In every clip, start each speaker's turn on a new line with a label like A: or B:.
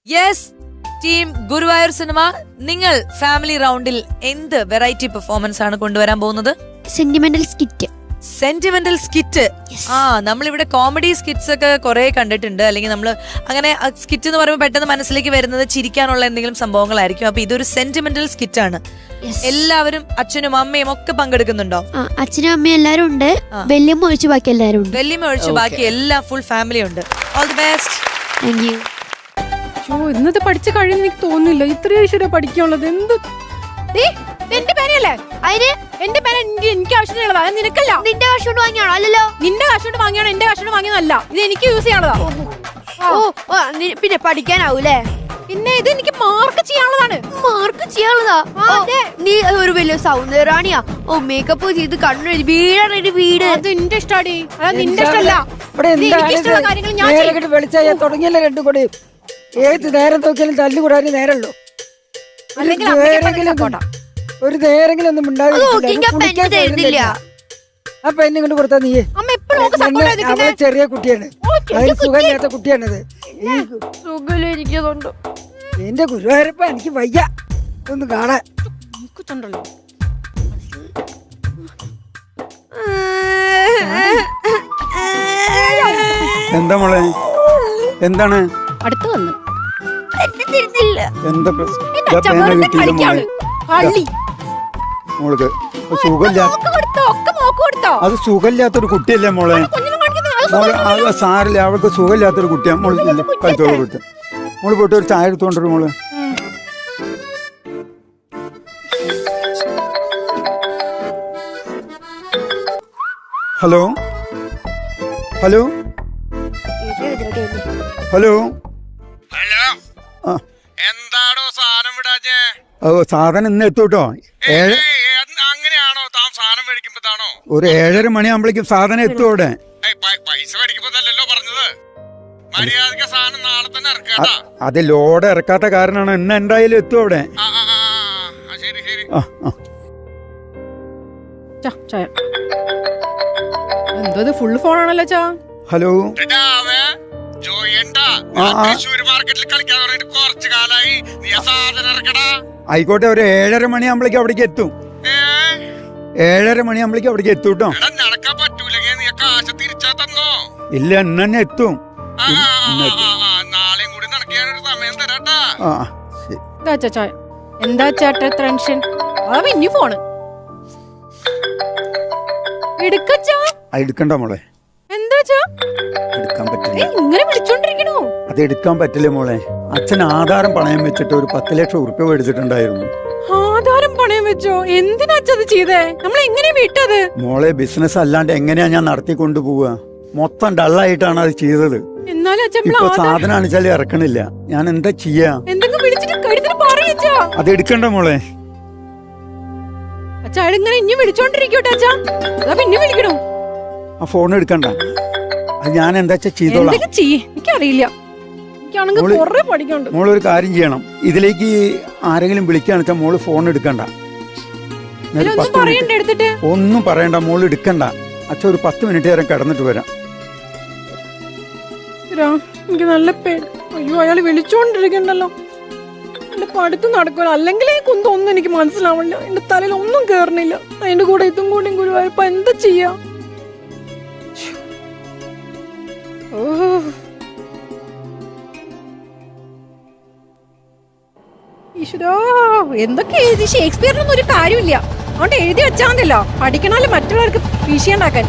A: Yes team Guruvayur cinema, നിങ്ങൾ family റൗണ്ടിൽ എന്ത് വെറൈറ്റി പെർഫോമൻസ് ആണ് കൊണ്ടുവരാൻ പോകുന്നത്?
B: Sentimental skit.
A: Sentimental skit. നമ്മളിവിടെ കോമഡി സ്കിറ്റ്സ് ഒക്കെ കുറെ കണ്ടിട്ടുണ്ട്, അല്ലെങ്കിൽ നമ്മൾ അങ്ങനെ സ്കിറ്റ് എന്ന് പറയുമ്പോൾ പെട്ടെന്ന് മനസ്സിലേക്ക് വരുന്നത് ചിരിക്കാനുള്ള എന്തെങ്കിലും സംഭവങ്ങളായിരിക്കും. അപ്പൊ ഇതൊരു സെന്റിമെന്റൽ സ്കിറ്റ് ആണ്. എല്ലാവരും അച്ഛനും അമ്മയും ഒക്കെ പങ്കെടുക്കുന്നുണ്ടോ?
B: അച്ഛനും അമ്മയും എല്ലാരും ഉണ്ട്, വെല്ലിയമ്മ ഒഴിച്ച് ബാക്കി എല്ലാരും ഉണ്ട്.
A: വെല്ലിയമ്മ ഒഴിച്ച് ബാക്കി എല്ലാ ഫുൾ ഫാമിലി ഉണ്ട്. All the best.
B: Thank you.
C: ഇന്നത്തെ പഠിച്ചു കഴിഞ്ഞെന്ന് എനിക്ക് തോന്നുന്നില്ല. ഇത്രയും ഈശ്വര പഠിക്കാനുള്ളത് എന്ത്? എന്റെ പേനയല്ലേ അതിന്? എന്റെ പേന എനിക്ക് ആവശ്യമുള്ളതാ, നിനക്കല്ല.
B: നിന്റെ കാശ് കൊണ്ട് വാങ്ങിയാണോ? അല്ലല്ലോ,
C: നിന്റെ കാശ് കൊണ്ട് വാങ്ങിയാണോ? എന്റെ കാശ് കൊണ്ട് വാങ്ങിയതല്ല, ഇത് എനിക്ക് യൂസ് ചെയ്യാനുള്ളതാ.
B: പിന്നെ പഠിക്കാനാവൂലേ?
C: പിന്നെ ഇത് എനിക്ക് മാർക്ക് ചെയ്യാനുള്ളതാണ്.
B: മാർക്ക് ചെയ്യാനുള്ളതാ? നീ ഒരു വലിയ സൗന്ദര്യറാണിയാ. മേക്കപ്പ് ചെയ്ത് കണ്ണു വീടാണ് വീട്.
C: അത് എന്റെ ഇഷ്ടാടി, അതാ നിന്റെ ഇഷ്ടമല്ല. ഇഷ്ടമുള്ള കാര്യങ്ങൾ ഞാൻ
D: വെളിച്ചായ തുടങ്ങിയല്ലേ രണ്ടും കൂടി. ഏത് നേരം നോക്കിയാലും തല്ലുകൂടാൻ നേരമുള്ളൂ. ഒരു നേരെങ്കിലും ഒന്നും ഉണ്ടാവില്ല. ആ പെണ്ണ് ഇങ്ങോട്ട് കൊടുത്താ നീ അവളെ ചെറിയ കുട്ടിയാണ്, അതിന് സുഖമില്ലാത്ത കുട്ടിയാണത്. എന്റെ ഗുരുവായൂരപ്പ എനിക്ക് വയ്യ ഒന്ന് കാണാൻ.
E: എന്താ മോളെ, എന്താണ്
C: അടുത്ത് വന്നു?
E: എന്താ മോൾക്ക് അത് സുഖമില്ലാത്തൊരു കുട്ടിയല്ലേ മോളെ? മോളെ സാറില്ല, അവൾക്ക് സുഖമില്ലാത്തൊരു കുട്ടിയാ. മോള് കളിച്ചോളൂ കുട്ടി. മോള് പോയിട്ട് ഒരു ചായ എടുത്തോണ്ടൊരു മോള്. ഹലോ ഹലോ ഹലോ
F: എന്താടോ സാധനം വിടാഞ്ഞേ?
E: സാധനം ഇന്ന് എത്തൂട്ടോ.
F: അങ്ങനെയാണോ താൻ സാധനം മേടിക്കുമ്പോഴാണോ?
E: ഒരു 7:30 മണിയാകുമ്പോഴേക്കും സാധനം എത്തും അവിടെ.
F: പൈസ മേടിക്കുമ്പോഴല്ലോ പറഞ്ഞത്. മര്യാദക്ക് സാധനം നാളെ തന്നെ ഇറക്കാട്ടാ.
E: അത് ലോഡ് ഇറക്കാത്ത കാരണമാണ്. ഇന്ന് എന്തായാലും എത്തും അവിടെ.
F: ശരി ശരി.
C: എന്തോ ഫുൾ ഫോണാണല്ലോ ചാ.
E: ഹലോ
F: മാർക്കറ്റിൽ കളിക്കാൻ തുടങ്ങിട്ട് കുറച്ച് കാലായി. നീ സാധനം ഇറക്കടാ.
E: ആയിക്കോട്ടെ, ഒരു 7:30 മണിയാകുമ്പോഴേക്കും അവിടേക്ക് എത്തും. 7:30 മണിയാകുമ്പോഴേക്കും അവിടേക്ക് എത്തും കേട്ടോ.
F: നടക്കാൻ പറ്റൂലെങ്കിൽ നീ കാശ് തിരിച്ചാ തന്നോ?
E: ഇല്ല, ഇന്ന് തന്നെ എത്തും.
F: നാളെയും കൂടി നടക്കാനൊരു സമയം തരാട്ടാ.
C: എന്താ ചേട്ടാ ടെൻഷൻ? അതാ ഇനി ഫോണ്
E: എടുക്കണ്ട മോളെ.
C: എന്താ
E: എടുക്കാൻ പറ്റില്ല.
C: ഇങ്ങനെ വിളിച്ചോണ്ടിരിക്കണോ?
E: അത് എടുക്കാൻ പറ്റില്ല മോളെ. അച്ഛൻ ആധാരം പണയം വെച്ചിട്ട് ഒരു 10 ലക്ഷം ഉറുപ്പ്യ മേടിച്ചിട്ടുണ്ടായിരുന്നു.
C: ആധാരം പണയം വെച്ചോ? എന്തിനാ അത് ചെയ്തേ? നമ്മൾ എങ്ങനെയാ വിട്ടത്?
E: മോളെ, ബിസിനസ് അല്ലാണ്ട് എങ്ങനെയാ ഞാൻ നടത്തിക്കൊണ്ടു പോവാ? മൊത്തം ഡള്ളായിട്ടാണ് അത് ചെയ്തത്. ഇപ്പൊ സാധനം അണിച്ചാൽ ഇറക്കണില്ല. ഞാൻ എന്താ ചെയ്യാ? അത് എടുക്കണ്ട മോളെ.
C: അച്ഛാ ഇനി വിളിച്ചോണ്ടിരിക്കട്ടെ അച്ഛാ. പിന്നെ വിളിക്കണോ?
E: ആ ഫോൺ എടുക്കണ്ട. അത് ഞാൻ എന്താ ചെയ്തോളാം.
C: എനിക്കറിയില്ല.
E: മോളൊരു കാര്യം ചെയ്യണം. ഇതിലേക്ക് ആരെങ്കിലും വിളിക്കാന്ന് വെച്ചാൽ മോള് ഫോൺ എടുക്കണ്ട. ഒന്നും പറയണ്ട, മോള് എടുക്കണ്ട. അച്ഛൻ ഒരു 10 മിനിറ്റ് നേരം കിടന്നിട്ട് വരാം.
C: എനിക്ക് നല്ല പേടി. അയ്യോ, അയാള് വിളിച്ചോണ്ടിരിക്കണ്ടല്ലോ. എന്റെ പഠിത്തം നടക്കൂല. അല്ലെങ്കിൽ ഈ കുന്തൊന്നും എനിക്ക് മനസ്സിലാവില്ല. എന്റെ തലയിൽ ഒന്നും കേറണില്ല. അതിന്റെ കൂടെ ഇതും കൂടി ഗുരുവായൂരപ്പ എന്താ ചെയ്യാ? ഈശ്വരാ, എന്തൊക്കെ എഴുതി? ഷേക്സ്പിയറിനൊന്നും ഒരു കാര്യമില്ല. അതുകൊണ്ട് എഴുതി വെച്ചാൽ മതിയല്ലോ. പഠിക്കണമല്ലോ മറ്റുള്ളവർക്ക് വിഷയണ്ടാക്കാൻ.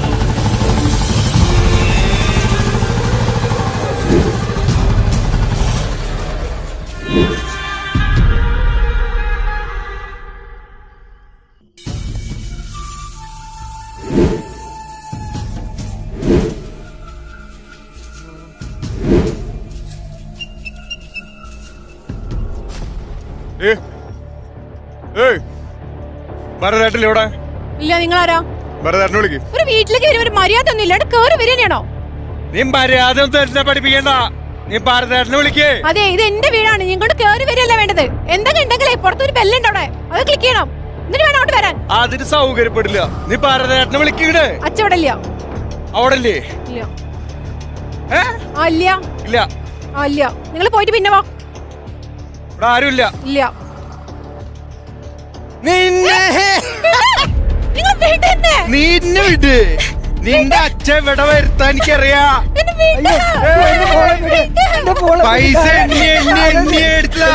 C: ഇല്ല, നിങ്ങളാരാ? ഒരു വീട്ടിലേക്ക് വരും, ഒരു മര്യാദ ഒന്നും ഇല്ലാണ്ട് കേറി വരികയാണോ?
F: നീ മര്യാദ പഠിപ്പിക്കണ്ട. നീ ഭാരതേട്ടനെ വിളിക്കേ.
C: അതെ, ഇത് എന്റെ വീടാണ്. ഇങ്ങോട്ട് കേറി വരികയല്ല വേണ്ടത്. എന്തൊക്കെ ഉണ്ടെങ്കിലേ പുറത്തൊരു ബെല്ലുണ്ട് അവിടെ, അത് ക്ലിക്ക് ചെയ്യണം. എന്നിട്ട് വേണം അങ്ങോട്ട് വരാൻ.
F: അതിന് സൗകര്യപ്പെടില്ല. നീ ഭാരതേട്ടനെ വിളിക്കേ.
C: അച്ഛവിടെ ഇല്ല.
F: അവിടെ ഇല്ലേ?
C: ഇല്ല.
F: ഇല്ല.
C: ആ ഇല്ല, നിങ്ങൾ പോയിട്ട് പിന്നെ വാ.
F: ഇവിടെ ആരുമില്ല.
C: ഇല്ല,
G: നിന്നെ നിന്നെ വിട്. നിന്റെ അച്ഛൻ ഇവിടെ വരുത്താൻ എനിക്കറിയാം. പൈസ എണ്ണി എണ്ണി എണ്ണി എടുത്തതാ.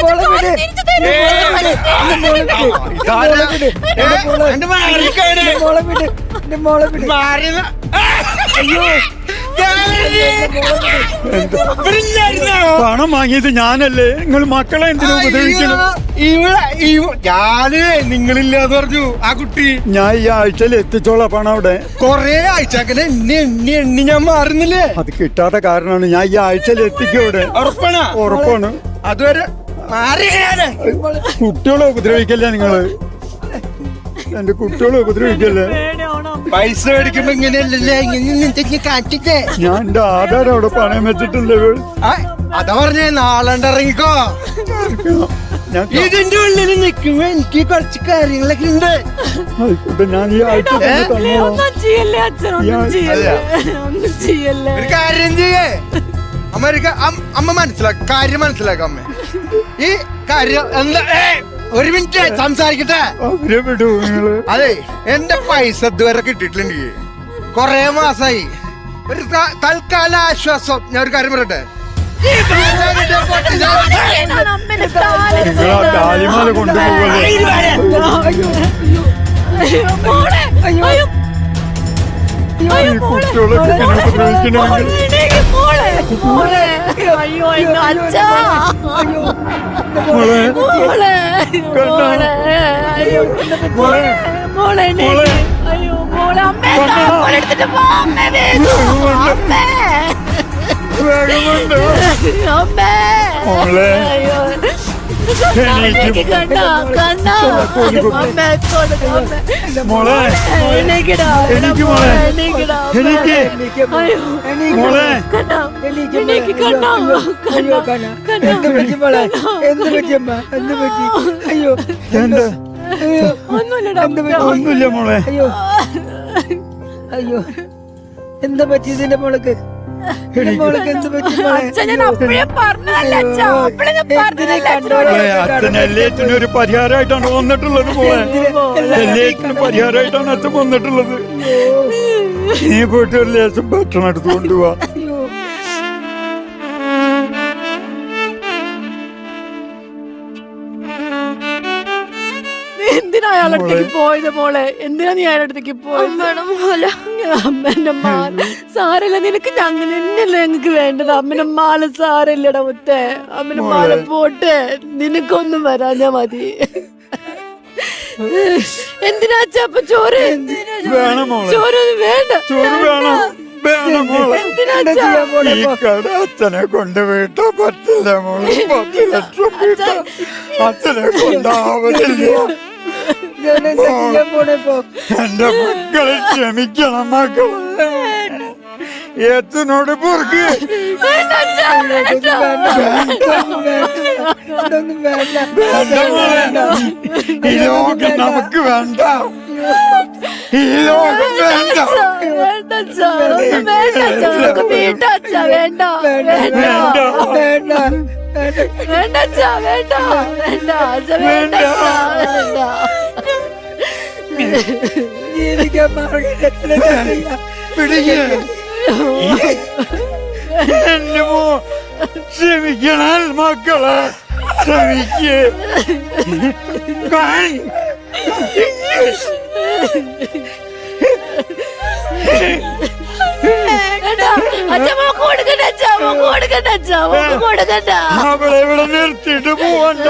E: പണം വാങ്ങിയത് ഞാനല്ലേ, നിങ്ങൾ മക്കളെ എന്തിനാ ഉപദ്രവിക്കണം?
G: ഞാന് നിങ്ങളില്ലാന്ന് പറഞ്ഞു ആ കുട്ടി.
E: ഞാൻ ഈ ആഴ്ചയിൽ എത്തിച്ചോളാം പണം അവിടെ.
G: കൊറേ ആഴ്ച അങ്ങനെ എണ്ണി എണ്ണി എണ്ണി ഞാൻ മാറുന്നില്ലേ?
E: അത് കിട്ടാത്ത കാരണമാണ് ഞാൻ ഈ ആഴ്ചയിൽ എത്തിക്കും അവിടെ.
G: ഉറപ്പാണ്?
E: ഉറപ്പാണ്.
G: അതുവരെ മാറിയാണ്.
E: കുട്ടികളെ ഉപദ്രവിക്കല്ലേ നിങ്ങള്, എന്റെ കുട്ടികളെ ഉപദ്രവിക്കല്ലേ.
G: പൈസ മേടിക്കുമ്പോ ഇങ്ങനെയല്ലേ ഇങ്ങനെ കാറ്റിട്ടേ.
E: ഞാൻ എന്റെ ആധാരം അവിടെ പണയം വെച്ചിട്ടില്ലേ.
G: അതാ പറഞ്ഞേ നാളണ്ട് ഇറങ്ങിക്കോ.
E: ഞാൻ
G: ഇതിന്റെ ഉള്ളിൽ നിൽക്കുമ്പോ എനിക്ക് കുറച്ച് കാര്യങ്ങളൊക്കെ ഉണ്ട്.
E: ആയിക്കോട്ടെ, ഞാൻ ഈ ആഴ്ച തന്നെ തന്നോളാം.
G: ഒരു കാര്യം ചെയ്യേ അമ്മ കാര്യം മനസ്സിലാക്കാം. അമ്മ ഈ കാര്യം എന്താ? ഒരു മിനിറ്റ് സംസാരിക്കട്ടെ.
E: അവരെ വിടൂ നിങ്ങള്.
G: അതെ, എന്റെ പൈസ ഇതുവരെ കിട്ടിയിട്ടില്ല. എനിക്ക് കൊറേ മാസായി. ഒരു തൽക്കാല ആശ്വാസം ഞാൻ ഒരു കാര്യം പറയട്ടെ.
E: നിങ്ങൾ ആ താലിമാല കൊണ്ടുപോകല്ലേ. കുട്ടികളെ ഉപദ്രവിക്കണമെങ്കിൽ മോളെ എനിക്ക് മോളെ എനിക്ക് മോളെ
D: എന്ത് പറ്റി മോളെ? എന്ത് പറ്റിയമ്മ? എന്ത് പറ്റി? അയ്യോ
E: എന്താ?
C: ഒന്നുമില്ല.
E: ഒന്നുമില്ല മോളെ.
D: അയ്യോ അയ്യോ എന്താ പറ്റി ഇതിന്റെ മോൾക്ക്? മോൾക്ക് എന്ത് പറ്റി മോളെ?
E: മോളെ അച്ഛൻ എല്ലാത്തിനും ഒരു പരിഹാരമായിട്ടാണ് വന്നിട്ടുള്ളത്. മോളെ എല്ലാത്തിനും പരിഹാരമായിട്ടാണ് അച്ഛൻ വന്നിട്ടുള്ളത്. നീ പോയിട്ട് ഒരു ലേശം ഭക്ഷണം എടുത്ത് കൊണ്ടുപോവാ.
C: എന്തിനാ അയാളടുത്തേക്ക് പോയത് മോളെ? എന്തിനാ നീ അയാളടുത്തേക്ക് പോയത്? അമ്മേന്റെ മാല സാരല്ല, നിനക്ക് അങ്ങനെ തന്നെയല്ലേ ഞങ്ങക്ക് വേണ്ടത്. അമ്മന്റെ മാല സാരല്ലടാ മുത്തേ. അമ്മന്റെ മാല പോട്ടെ, നിനക്കൊന്നും വരാഞ്ഞാ മതി. എന്തിനാ അച്ഛപ്പ ചോറ്?
E: വേണം മോളെ,
C: ചോറൊന്നും വേണ്ട.
E: ചോറ് വേണം. വേണം മോളെ.
C: എന്തിനാ
E: ഈ കട അച്ഛനെ കൊണ്ട് വീട്ടാ പറ്റില്ല മോളെ. 10 ലക്ഷം വീട്ടാ അച്ഛനെ കൊണ്ടാവത്തില്ല. എന്റെ മക്കളെ ക്ഷമിക്കണം മക്കളെ. ഏത്തിനോട് പൊറുക്ക്. വേണ്ട മോളെ, ഈ ലോകം നമുക്ക് വേണ്ട. ഈ ലോകം വേണ്ട.
D: ജീവിക്കാൻ മാർഗം
E: എന്റെ മോ ക്ഷമിക്കണം മക്കളെ, ക്ഷമിക്കേ. അവളെ ഇവിടെ നിർത്തിയിട്ട് പോവണ്ട.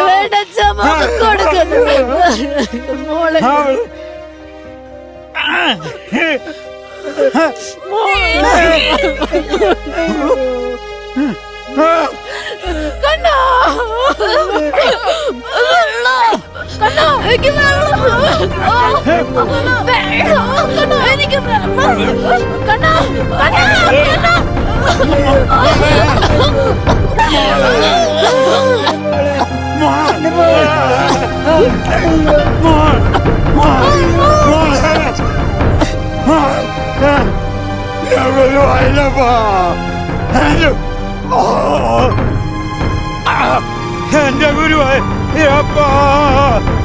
E: എന്റെ ഗുരുവായൂരപ്പാ